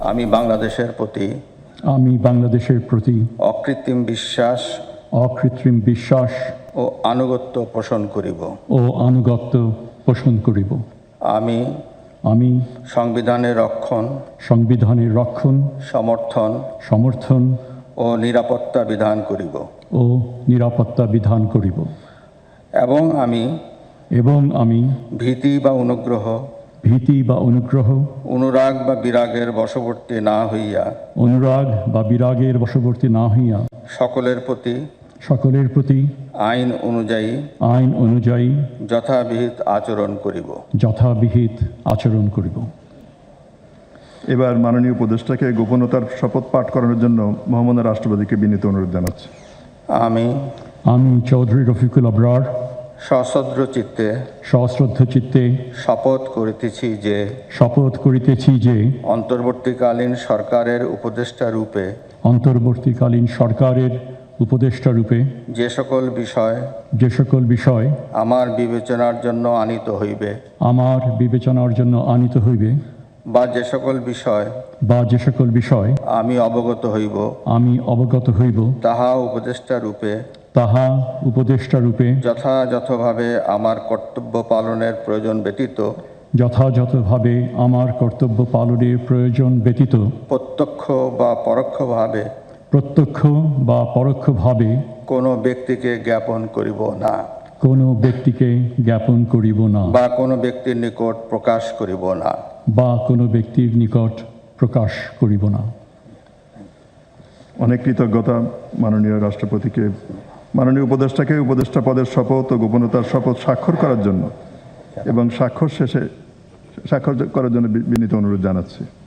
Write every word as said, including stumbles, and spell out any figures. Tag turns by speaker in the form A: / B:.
A: আমি বাংলাদেশের প্রতি
B: আমি বাংলাদেশের প্রতি
A: অকৃত্রিম বিশ্বাস
B: অকৃত্রিম বিশ্বাস
A: ও আনুগত্য পোষণ করিব
B: ও আনুগত্য পোষণ করিব।
A: আমি
B: আমি
A: সংবিধানের রক্ষণ,
B: সংবিধানের রক্ষণ,
A: সমর্থন
B: সমর্থন
A: ও নিরাপত্তা বিধান করিব
B: ও নিরাপত্তা বিধান করিব
A: এবং আমি
B: এবং আমি
A: ভীতি বা অনুগ্রহ,
B: ভীতি বা অনুগ্রহ,
A: অনুরাগ বা বিরাগের বশবর্তী না হইয়া
B: অনুরাগ বা বিরাগের বশবর্তী না হইয়া
A: সকলের প্রতি
B: সকলের প্রতি
A: আইন অনুযায়ী
B: আইন অনুযায়ী
A: যথাবিহিত আচরণ করিব।
B: যথাবিহিত আচরণ করিব।
C: এবার মাননীয় উপদেষ্টাকে গোপনতার শপথ পাঠ করানোর জন্য মহামান্য রাষ্ট্রপতিকে বিনীত অনুরোধ জানাচ্ছি।
A: আমি
B: আমি চৌধুরী রফিকুল আবরার
A: সশ্রদ্ধ চিত্তে
B: সশ্রদ্ধ চিত্তে
A: শপথ করিতেছি যে
B: শপথ করিতেছি যে
A: অন্তর্বর্তীকালীন সরকারের উপদেষ্টা রূপে
B: অন্তর্বর্তীকালীন সরকারের উপদেষ্টা রূপে
A: যে সকল বিষয়
B: যে সকল বিষয়
A: আমার বিবেচনার জন্য আনিত হইবে
B: আমার বিবেচনার জন্য আনিত হইবে
A: বা যে সকল বিষয়
B: বা যে সকল বিষয়
A: আমি অবগত হইব
B: আমি অবগত হইব
A: তাহা উপদেষ্টা রূপে
B: তাহা উপদেষ্টা রূপে
A: যথাযথভাবে আমার কর্তব্য পালনের প্রয়োজন ব্যতীত
B: যথাযথভাবে আমার কর্তব্য পালনের প্রয়োজন ব্যতীত
A: প্রত্যক্ষ বা পরোক্ষভাবে
B: প্রত্যক্ষ বা পরোক্ষভাবে
A: কোনো ব্যক্তিকে জ্ঞাপন করিব না
B: কোনো ব্যক্তিকে জ্ঞাপন করিব না
A: বা কোনো ব্যক্তির নিকট প্রকাশ করিব না
B: বা কোনো ব্যক্তির নিকট প্রকাশ করিব না।
C: অনেক কৃতজ্ঞতা মাননীয় রাষ্ট্রপতিকে মাননীয় উপদেষ্টাকে উপদেষ্টা পদের শপথ ও গোপনতার শপথ স্বাক্ষর করার জন্য এবং স্বাক্ষর শেষে স্বাক্ষর করার জন্য বিনীত অনুরোধ জানাচ্ছি।